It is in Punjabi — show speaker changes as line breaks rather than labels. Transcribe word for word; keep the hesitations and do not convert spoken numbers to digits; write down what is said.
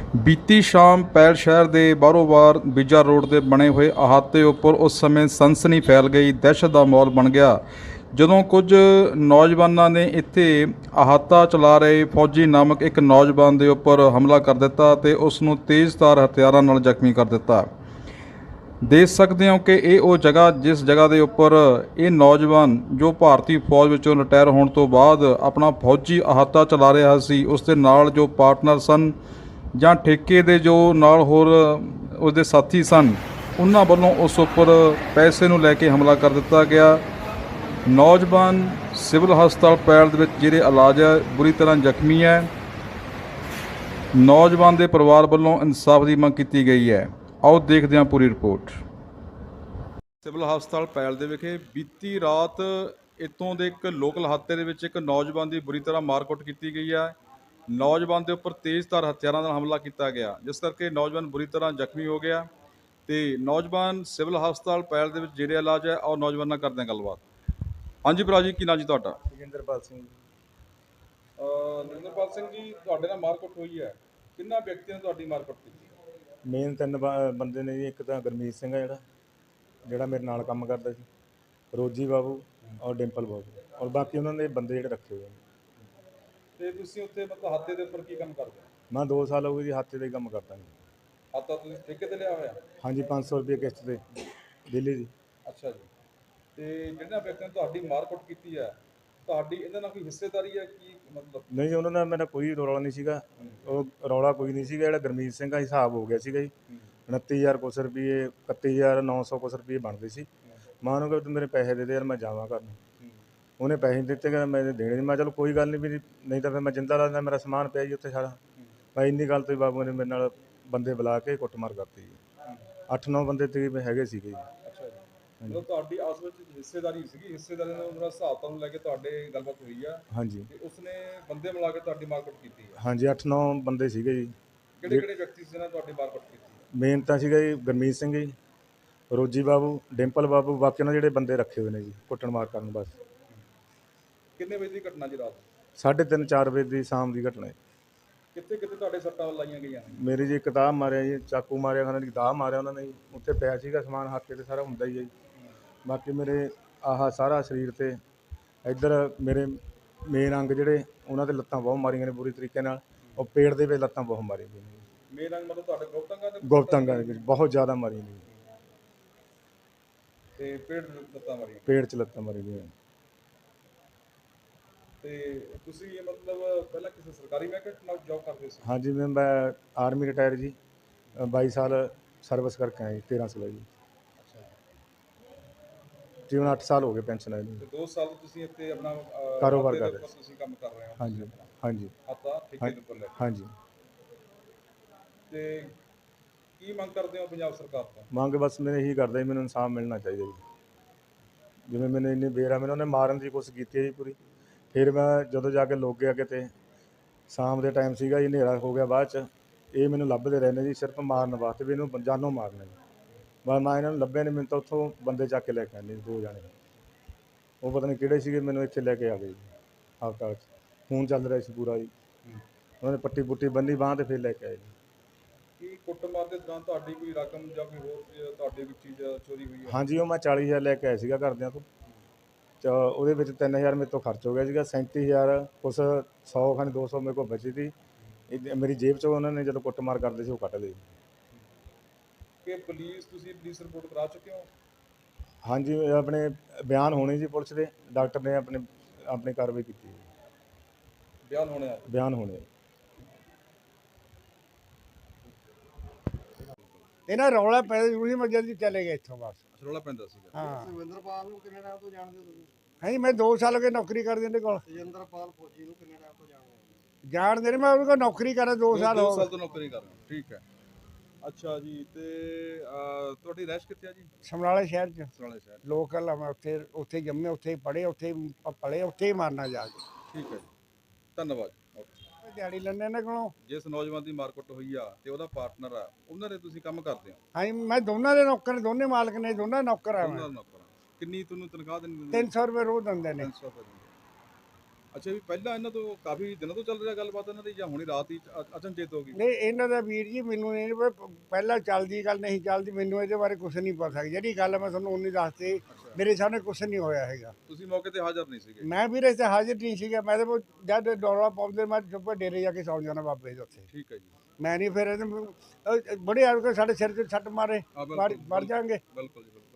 ਬੀਤੀ ਸ਼ਾਮ ਪੈਲ ਸ਼ਹਿਰ ਦੇ ਬਾਰੋ-ਬਾਰ ਬੀਜਾ ਰੋਡ ਦੇ ਬਣੇ ਹੋਏ ਅਹਾਤੇ ਉੱਪਰ ਉਸ ਸਮੇਂ ਸਨਸਨੀ ਫੈਲ ਗਈ, ਦਹਿਸ਼ਤ ਦਾ ਮਾਹੌਲ ਬਣ ਗਿਆ ਜਦੋਂ ਕੁਝ ਨੌਜਵਾਨਾਂ ਨੇ ਇੱਥੇ ਅਹਾਤਾ ਚਲਾ ਰਹੇ ਫੌਜੀ ਨਾਮਕ ਇੱਕ ਨੌਜਵਾਨ ਦੇ ਉੱਪਰ ਹਮਲਾ ਕਰ ਦਿੱਤਾ ਅਤੇ ਉਸ ਨੂੰ ਤੇਜ਼ਧਾਰ ਹਥਿਆਰਾਂ ਨਾਲ ਜ਼ਖਮੀ ਕਰ ਦਿੱਤਾ। ਦੇਖ ਸਕਦੇ ਹੋ ਕਿ ਇਹ ਉਹ ਜਗ੍ਹਾ ਜਿਸ ਜਗ੍ਹਾ ਦੇ ਉੱਪਰ ਇਹ ਨੌਜਵਾਨ ਜੋ ਭਾਰਤੀ ਫੌਜ ਵਿੱਚੋਂ ਰਿਟਾਇਰ ਹੋਣ ਤੋਂ ਬਾਅਦ ਆਪਣਾ ਫੌਜੀ ਅਹਾਤਾ ਚਲਾ ਰਿਹਾ ਸੀ, ਉਸ ਦੇ ਨਾਲ ਜੋ ਪਾਰਟਨਰ ਸਨ ਜਾਂ ਠੇਕੇ ਦੇ ਜੋ ਨਾਲ ਹੋਰ ਉਸਦੇ ਸਾਥੀ ਸਨ, ਉਹਨਾਂ ਵੱਲੋਂ ਉਸ ਉੱਪਰ ਪੈਸੇ ਨੂੰ ਲੈ ਕੇ ਹਮਲਾ ਕਰ ਦਿੱਤਾ ਗਿਆ। ਨੌਜਵਾਨ ਸਿਵਲ ਹਸਪਤਾਲ ਪੈਲ ਦੇ ਵਿੱਚ ਜਿਹੜੇ ਇਲਾਜ ਹੈ ਬੁਰੀ ਤਰ੍ਹਾਂ ਜ਼ਖਮੀ ਹੈ। ਨੌਜਵਾਨ ਦੇ ਪਰਿਵਾਰ ਵੱਲੋਂ ਇਨਸਾਫ ਦੀ ਮੰਗ ਕੀਤੀ ਗਈ ਹੈ। ਆਓ ਦੇਖਦੇ ਹਾਂ ਪੂਰੀ ਰਿਪੋਰਟ। ਸਿਵਲ ਹਸਪਤਾਲ ਪੈਲ ਦੇ ਵਿਖੇ ਬੀਤੀ ਰਾਤ ਇੱਥੋਂ ਦੇ ਇੱਕ ਲੋਕਲ ਅਹਾਤੇ ਦੇ ਵਿੱਚ ਇੱਕ ਨੌਜਵਾਨ ਦੀ ਬੁਰੀ ਤਰ੍ਹਾਂ ਮਾਰਕੁੱਟ ਕੀਤੀ ਗਈ ਹੈ। ਨੌਜਵਾਨ ਦੇ ਉੱਪਰ ਤੇਜ਼ਧਾਰ ਹਥਿਆਰਾਂ ਨਾਲ ਹਮਲਾ ਕੀਤਾ ਗਿਆ, ਜਿਸ ਕਰਕੇ ਨੌਜਵਾਨ ਬੁਰੀ ਤਰ੍ਹਾਂ ਜ਼ਖਮੀ ਹੋ ਗਿਆ ਤੇ ਨੌਜਵਾਨ ਸਿਵਲ ਹਸਪਤਾਲ ਪੈਲ ਦੇ ਵਿੱਚ ਜਿਹੜੇ ਇਲਾਜ ਹੈ ਔਰ ਨੌਜਵਾਨ ਨਾਲ ਕਰਦੇ ਹਾਂ ਗੱਲਬਾਤ। ਹਾਂਜੀ ਭਰਾ ਜੀ, ਕੀ ਨਾਂ ਜੀ ਤੁਹਾਡਾ?
ਜੋਗਿੰਦਰਪਾਲ ਸਿੰਘ ਜੀ।
ਜੋਗਿੰਦਰਪਾਲ ਸਿੰਘ ਜੀ, ਤੁਹਾਡੇ ਨਾਲ ਮਾਰਕੁੱਟ ਹੋਈ ਹੈ, ਕਿੰਨਾ ਵਿਅਕਤੀਆਂ ਨੇ ਤੁਹਾਡੀ ਮਾਰਕੁੱਟ ਕੀਤੀ?
ਮੇਨ ਤਿੰਨ ਬ- ਬੰਦੇ ਨੇ ਜੀ। ਇੱਕ ਤਾਂ ਗੁਰਮੀਤ ਸਿੰਘ ਆ ਜਿਹੜਾ ਜਿਹੜਾ ਮੇਰੇ ਨਾਲ ਕੰਮ ਕਰਦਾ ਸੀ, ਰੋਜੀ ਬਾਬੂ ਔਰ ਡਿੰਪਲ ਬਾਬੂ, ਔਰ ਬਾਕੀ ਉਹਨਾਂ ਦੇ ਬੰਦੇ ਜਿਹੜੇ ਰੱਖੇ ਹੋਏ ਨੇ।
ਤੇ ਤੁਸੀਂ ਉੱਥੇ ਮਤਲਬ ਹਾਤੇ ਦੇ ਉੱਪਰ ਕੀ ਕੰਮ ਕਰਦੇ ਹੋ?
ਮੈਂ ਦੋ ਸਾਲ ਹੋ ਗਏ ਜੀ ਹੱਥੇ ਦਾ ਹੀ ਕੰਮ ਕਰਦਾ ਜੀ।
ਹਾਤਾ ਤੁਸੀਂ ਠੇਕੇ ਤੇ ਲਿਆ ਹੋਇਆ?
ਹਾਂਜੀ, ਪੰਜ ਸੌ ਰੁਪਏ ਕਿਸ਼ਤ ਤੇ ਦਿੱਲੀ ਦੀ।
ਅੱਛਾ ਜੀ। ਤੇ ਜਿਹੜਾ ਵਿਅਕਤੀ ਨੇ ਤੁਹਾਡੀ ਮਾਰਕੁੱਟ ਕੀਤੀ ਹੈ, ਤੁਹਾਡੀ ਇਹਦੇ ਨਾਲ ਕੋਈ ਹਿੱਸੇਦਾਰੀ ਹੈ? ਕੀ ਮਤਲਬ?
ਨਹੀਂ, ਉਹਨਾਂ ਨਾਲ ਮੇਰਾ ਕੋਈ ਰੌਲਾ ਨਹੀਂ ਸੀਗਾ। ਉਹ ਰੌਲਾ ਕੋਈ ਨਹੀਂ ਸੀਗਾ। ਜਿਹੜਾ ਗੁਰਮੀਤ ਸਿੰਘ ਦਾ ਹਿਸਾਬ ਹੋ ਗਿਆ ਸੀਗਾ ਜੀ, ਉਨੱਤੀ ਹਜ਼ਾਰ ਕੁਛ ਰੁਪਏ, ਇਕੱਤੀ ਹਜ਼ਾਰ ਨੌ ਸੌ ਕੁਛ ਰੁਪਏ ਬਣਦੇ ਸੀ। ਮੈਂ ਉਹਨੂੰ ਕਿਹਾ ਤੂੰ ਮੇਰੇ ਪੈਸੇ ਦੇ ਦੇ ਯਾਰ, ਮੈਂ ਜਾਵਾਂ ਘਰ ਨੂੰ। ਉਹਨੇ ਪੈਸੇ ਦਿੱਤੇ, ਕਹਿੰਦਾ ਮੈਂ ਦੇਣੇ ਨਹੀਂ। ਮੈਂ ਚਲੋ ਕੋਈ ਗੱਲ ਨਹੀਂ ਵੀ, ਨਹੀਂ ਤਾਂ ਫਿਰ ਮੈਂ ਜਿੰਦਾ ਲਾ ਦਿੰਦਾ, ਮੇਰਾ ਸਮਾਨ ਪਿਆ ਜੀ ਉੱਥੇ ਸਾਰਾ। ਮੈਂ ਇੰਨੀ ਗੱਲ ਤੋਂ ਹੀ ਬਾਬੂ ਨੇ ਮੇਰੇ ਨਾਲ ਬੰਦੇ ਬੁਲਾ ਕੇ ਕੁੱਟਮਾਰ ਕਰਤੀ ਜੀ। ਅੱਠ ਨੌ ਬੰਦੇ ਤਕਰੀਬਨ ਹੈਗੇ ਸੀਗੇ ਜੀ।
ਅੱਛਾ ਜੀ। ਮਤਲਬ ਤੁਹਾਡੀ ਆਪਸ ਵਿੱਚ ਹਿੱਸੇਦਾਰੀ ਸੀਗੀ, ਹਿੱਸੇਦਾਰੀ ਨਾਲ ਉਹਨਾਂ ਹਿਸਾਬ ਤੋਂ ਲੈ ਕੇ ਤੁਹਾਡੇ ਗੱਲਬਾਤ ਹੋਈ ਆ
ਹਾਂਜੀ,
ਤੇ ਉਸਨੇ ਬੰਦੇ ਮਿਲਾ ਕੇ ਤੁਹਾਡੀ ਮਾਰਕੁੱਟ ਕੀਤੀ ਹੈ?
ਹਾਂਜੀ, ਅੱਠ ਨੌ ਬੰਦੇ ਸੀਗੇ ਜੀ।
ਕਿਹੜੇ ਕਿਹੜੇ ਵਿਅਕਤੀ ਸੀ ਜਿਹਨਾਂ ਤੁਹਾਡੀ ਮਾਰਕੁੱਟ ਕੀਤੀ?
ਮੇਨ ਤਾਂ ਸੀਗਾ ਜੀ ਗੁਰਮੀਤ ਸਿੰਘ ਜੀ, ਰੋਜੀ ਬਾਬੂ, ਡਿੰਪਲ ਬਾਬੂ, ਬਾਕੀ ਉਹਨਾਂ ਜਿਹੜੇ ਬੰਦੇ ਰੱਖੇ ਹੋਏ ਨੇ ਜੀ ਕੁੱਟਣ ਮਾਰ ਕਰਨ। ਬਸ
ਕਿੰਨੇ ਵਜੇ ਦੀ ਘਟਨਾ ਜੀ? ਰਾਤ
ਸਾਢੇ ਤਿੰਨ ਚਾਰ ਵਜੇ ਦੀ ਸ਼ਾਮ ਦੀ ਘਟਨਾ ਹੈ।
ਕਿੱਥੇ ਕਿੱਥੇ ਤੁਹਾਡੇ ਸੱਟਾਂ ਲਾਈਆਂ ਗਈਆਂ ਨੇ?
ਮੇਰੀ ਜੀ ਕਿਤਾਬ ਮਾਰਿਆ ਜੀ, ਚਾਕੂ ਮਾਰਿਆ, ਖਾਣਾ ਦੀ ਦਾਹ ਮਾਰਿਆ ਉਹਨਾਂ ਨੇ ਜੀ। ਉੱਥੇ ਪਿਆ ਸੀਗਾ ਸਮਾਨ ਹੱਥ ਤੇ ਸਾਰਾ ਹੁੰਦਾ ਹੀ ਹੈ ਜੀ। ਬਾਕੀ ਮੇਰੇ ਆਹ ਸਾਰਾ ਸਰੀਰ ਤੇ ਇੱਧਰ ਮੇਰੇ ਮੇਨ ਅੰਗ ਜਿਹੜੇ ਉਹਨਾਂ ਦੇ ਲੱਤਾਂ ਬਹੁਤ ਮਾਰੀਆਂ ਨੇ ਬੁਰੀ ਤਰੀਕੇ ਨਾਲ। ਉਹ ਪੇਟ ਦੇ ਵਿੱਚ ਲੱਤਾਂ ਬਹੁਤ ਮਾਰੀਆਂ ਗਈਆਂ ਨੇ।
ਮੇਨ ਅੰਗ ਮਤਲਬ ਤੁਹਾਡੇ ਗੁਪਤ ਅੰਗਾਂ ਦੇ?
ਗੁਪਤ ਅੰਗਾਂ ਦੇ ਵਿੱਚ ਬਹੁਤ ਜ਼ਿਆਦਾ ਮਾਰੀਆਂ ਨੇ।
ਤੇ ਪੇਟ ਲੱਤਾਂ ਮਾਰੀਆਂ?
ਪੇਟ 'ਚ ਲੱਤਾਂ ਮਾਰੀ ਗਈਆਂ।
ਤੇ ਤੁਸੀਂ ਇਹ ਮਤਲਬ ਪਹਿਲਾਂ ਕਿਸੇ ਸਰਕਾਰੀ ਮਹਿਕਮੇ ਨਾਲ ਜੌਬ ਕਰਦੇ ਸੀ?
ਹਾਂਜੀ, ਮੈਂ ਮੈਂ ਆਰਮੀ ਰਿਟਾਇਰ ਜੀ, ਬਾਈ ਸਾਲ ਸਰਵਿਸ ਕਰਕੇ ਆਇਆ ਜੀ, ਤੇਰ੍ਹਾਂ ਸਾਲ ਜੀ।
ਅੱਛਾ।
ਜੀ ਹੁਣ ਅੱਠ ਸਾਲ ਹੋ ਗਏ ਪੈਨਸ਼ਨ ਆਈ ਨੂੰ।
ਤੇ ਦੋ ਸਾਲ ਤੋਂ ਤੁਸੀਂ ਇੱਥੇ ਆਪਣਾ ਅਹ,
ਕਾਰੋਬਾਰ
ਹਾਤੇ ਦੇ
ਕਰ ਰਹੇ
ਉੱਪਰ ਤੁਸੀਂ ਕੰਮ ਕਰ ਰਹੇ ਹੋ?
ਹਾਂਜੀ, ਹਾਂਜੀ,
ਹਾਤਾ ਠੇਕੇ ਦੇ ਉੱਪਰ ਲੈ ਕੇ।
ਹਾਂਜੀ।
ਤੇ ਕੀ ਮੰਗ ਕਰਦੇ ਹੋ ਪੰਜਾਬ ਸਰਕਾਰ ਤੋਂ?
ਮੰਗ ਬਸ ਮੇਰੇ ਇਹੀ ਕਰਦਾ ਜੀ, ਮੈਨੂੰ ਇਨਸਾਫ ਮਿਲਣਾ ਚਾਹੀਦਾ ਜੀ। ਜਿਵੇਂ ਮੈਨੂੰ ਇੰਨੀ ਬੇਰਾ ਮੈਨੂੰ ਉਹਨੇ ਮਾਰਨ ਦੀ ਕੋਸ਼ਿਸ਼ ਕੀਤੀ ਹੈ ਜੀ ਪੂਰੀ। ਫਿਰ ਮੈਂ ਜਦੋਂ ਜਾ ਕੇ ਲੁੱਕ ਗਿਆ ਕਿਤੇ, ਸ਼ਾਮ ਦੇ ਟਾਈਮ ਸੀਗਾ ਜੀ, ਹਨੇਰਾ ਹੋ ਗਿਆ ਬਾਅਦ 'ਚ। ਇਹ ਮੈਨੂੰ ਲੱਭਦੇ ਰਹਿੰਦੇ ਜੀ ਸਿਰਫ ਮਾਰਨ ਵਾਸਤੇ ਵੀ ਇਹਨੂੰ ਜਾਨੋਂ ਮਾਰਨਾ ਜੀ। ਬਸ ਮੈਂ ਇਹਨਾਂ ਨੂੰ ਲੱਭਿਆ ਨਹੀਂ, ਮੈਨੂੰ ਤਾਂ ਉੱਥੋਂ ਬੰਦੇ ਚੱਕ ਕੇ ਲੈ ਕੇ ਆਉਂਦੇ ਦੋ ਜਾਣੇ। ਉਹ ਪਤਾ ਨਹੀਂ ਕਿਹੜੇ ਸੀਗੇ, ਮੈਨੂੰ ਇੱਥੇ ਲੈ ਕੇ ਆ ਗਏ ਜੀ ਹਸਪਤਾਲ 'ਚ। ਖੂਨ ਚੱਲ ਰਿਹਾ ਸੀ ਪੂਰਾ ਜੀ। ਉਹਨਾਂ ਨੇ ਪੱਟੀ ਪੁੱਟੀ ਬੰਨੀ ਬਾਂਹ 'ਤੇ ਫਿਰ ਲੈ ਕੇ ਆਏ ਜੀ।
ਕੀ ਕੁੱਟਮਾਰ ਦੇ ਦੌਰਾਨ ਤੁਹਾਡੀ ਕੋਈ ਰਕਮ ਜਾਂ ਕੋਈ ਹੋਰ ਚੀਜ਼- ਤੁਹਾਡੀ ਕੋਈ ਚੀਜ਼ ਚੋਰੀ ਹੋਈ ਹੈ?
ਹਾਂਜੀ, ਉਹ ਮੈਂ ਚਾਲੀ ਹਜ਼ਾਰ ਲੈ ਕੇ ਆਇਆ ਸੀਗਾ ਘਰਦਿਆਂ ਤੋਂ। ਚ ਉਹਦੇ ਵਿੱਚ ਤਿੰਨ ਹਜ਼ਾਰ ਮੇਰੇ ਤੋਂ ਖਰਚ ਹੋ ਗਿਆ ਸੀਗਾ। ਸੈਂਤੀ ਹਜ਼ਾਰ ਕੁਛ ਸੌ ਖਾਨੀ ਦੋ ਸੌ ਮੇਰੇ ਕੋਲ ਬਚੀ ਸੀ। ਇਹ ਮੇਰੀ ਜੇਬ 'ਚੋਂ ਉਹਨਾਂ ਨੇ ਜਦੋਂ ਕੁੱਟਮਾਰ ਕਰਦੇ ਸੀ ਉਹ ਕੱਢ ਲਏ।
ਕਿ ਪੁਲਿਸ, ਤੁਸੀਂ ਪੁਲਿਸ ਰਿਪੋਰਟ ਕਰਾ ਚੁੱਕੇ ਹੋ?
ਹਾਂਜੀ, ਇਹ ਆਪਣੇ ਬਿਆਨ ਹੋਣੇ ਜੀ ਪੁਲਿਸ ਦੇ। ਡਾਕਟਰ ਨੇ ਆਪਣੇ ਆਪਣੀ ਕਾਰਵਾਈ ਕੀਤੀ।
ਬਿਆਨ ਹੋਣੇ ਆ?
ਬਿਆਨ ਹੋਣੇ।
ਇਹਨਾਂ ਰੌਲਾ ਪੈਦਾ ਜ਼ਰੂਰੀ, ਮੈਂ ਜਲਦੀ ਚਲੇ ਗਏ ਇੱਥੋਂ ਬਸ।
ਰੌਲਾ ਪੈਂਦਾ ਸੀਗਾ?
ਹਾਂ।
ਸੁਖਵਿੰਦਰਪਾਲ ਨੂੰ ਕਿੰਨੇ ਟਾਈਮ ਤੋਂ ਜਾਣਦੇ ਹੋ ਤੁਸੀਂ?
ਹਾਂਜੀ, ਮੈਂ ਦੋ ਸਾਲ ਹੋ ਗਏ ਨੌਕਰੀ ਕਰਦੇ ਇਹਦੇ ਕੋਲ।
ਸੁਖਵਿੰਦਰਪਾਲ ਫੌਜੀ ਨੂੰ ਕਿੰਨੇ ਟਾਈਮ ਤੋਂ ਜਾਣਦੇ ਹੋ?
ਜਾਣਦੇ ਨੇ, ਮੈਂ ਉਹਦੇ ਕੋਲ ਨੌਕਰੀ ਕਰਾਂ ਦੋ ਸਾਲ
ਦੋ
ਹੋ
ਸਾਲ
ਗਏ।
ਤੋਂ ਨੌਕਰੀ ਕਰ ਰਹੇ ਹੋ, ਠੀਕ ਹੈ। ਅੱਛਾ ਜੀ। ਤੇ ਅਹ, ਤੁਹਾਡੀ ਰਹਿਸ਼ ਕਿੱਥੇ ਆ ਜੀ?
ਸਮਰਾਲੇ ਸ਼ਹਿਰ 'ਚ
ਸਰਾਲੇ ਸ਼ਹਿਰ।
ਲੋਕਲ ਆ ਮੈਂ। ਉੱਥੇ ਉੱਥੇ ਜੰਮੇ, ਉੱਥੇ ਹੀ ਪੜ੍ਹੇ, ਉੱਥੇ ਹੀ ਪ- ਪਲੇ, ਉੱਥੇ ਹੀ ਮਾਰਨਾ ਜਾ ਕੇ।
ਠੀਕ ਹੈ ਜੀ, ਧੰਨਵਾਦ। ਓਕੇ।
ਦਿਹਾੜੀ ਲੈਂਦੇ ਇਹਨਾਂ ਕੋਲੋਂ।
ਜਿਸ ਨੌਜਵਾਨ ਦੀ ਮਾਰਕੁੱਟ ਹੋਈ ਆ ਤੇ ਉਹਦਾ ਪਾਰਟਨਰ ਆ, ਉਹਨਾਂ ਦੇ ਤੁਸੀਂ ਕੰਮ ਕਰਦੇ ਹੋ?
ਹਾਂਜੀ, ਮੈਂ ਦੋਨਾਂ ਦੇ ਨੌਕਰ ਨੇ, ਦੋਨੇ ਮਾਲਕ ਨੇ, ਦੋਨਾਂ ਨੌਕਰ ਆ
ਉਹਨਾਂ
ਮੈਂ।
ਦਾ ਨੌਕਰ ਆ। ਕਿੰਨੀ ਤੁਹਾਨੂੰ ਤਨਖਾਹ ਦਿੰਦੇ?
ਤਿੰਨ ਸੌ ਰੁਪਏ ਰੋਜ਼ ਦਿੰਦੇ ਨੇ।
ਤਿੰਨ ਸੌ ਰੁਪਏ ਦਿੰਦੇ। ਅੱਛਾ ਵੀ ਪਹਿਲਾਂ ਇਹਨਾਂ ਤੋਂ ਕਾਫੀ ਦਿਨਾਂ ਤੋਂ ਚੱਲ ਰਿਹਾ ਗੱਲਬਾਤ ਇਹਨਾਂ ਦੀ ਜਾਂ ਹੁਣੀ ਰਾਤ ਹੀ ਅ- ਅਚਨਚੇਤ ਹੋ ਗਈ?
ਨਹੀਂ ਇਹਨਾਂ ਦਾ ਵੀਰ ਜੀ ਮੈਨੂੰ ਨਹੀਂ ਪਤਾ, ਪਹਿਲਾਂ ਚੱਲਦੀ ਗੱਲ ਨਹੀਂ ਚੱਲਦੀ, ਮੈਨੂੰ ਇਹਦੇ ਬਾਰੇ ਕੁਝ ਨਹੀਂ ਪਤਾ ਜਿਹੜੀ ਗੱਲ ਮੈਂ ਤੁਹਾਨੂੰ ਉਨੀ ਦੱਸਤੀ, ਮੇਰੇ ਸਾਹਮਣੇ ਕੁਝ ਨਹੀਂ ਹੋਇਆ ਹੈਗਾ।
ਤੁਸੀਂ ਮੌਕੇ ਤੇ ਹਾਜ਼ਰ ਨਹੀਂ ਸੀਗੇ?
ਮੈਂ ਵੀਰੇ ਇੱਥੇ ਹਾਜ਼ਰ ਨਹੀਂ ਸੀਗਾ, ਮੈਂ ਤਾਂ ਜਦ ਦੌਰਾ ਪਾਉਂਦੇ ਮੈਂ ਚੁੱਪ ਡੇਰੇ ਜਾ ਕੇ ਸੌਂ ਜਾਣਾ ਬਾਬੇ ਦੇ ਉੱਥੇ।
ਠੀਕ ਹੈ ਜੀ।
ਮੈਂ ਨਹੀਂ ਫਿਰ ਇਹਨੂੰ- ਅਹ ਬੜੇ ਆ ਕੇ ਸਾਡੇ ਸਿਰ 'ਤੇ ਛੱਟ ਮਾਰੇ,
ਹਾਂ,
ਮਰ
ਬਿਲਕੁਲ,
ਮਰ ਜਾਣਗੇ।
ਬਿਲਕੁਲ ਜੀ ਬਿਲਕੁਲ।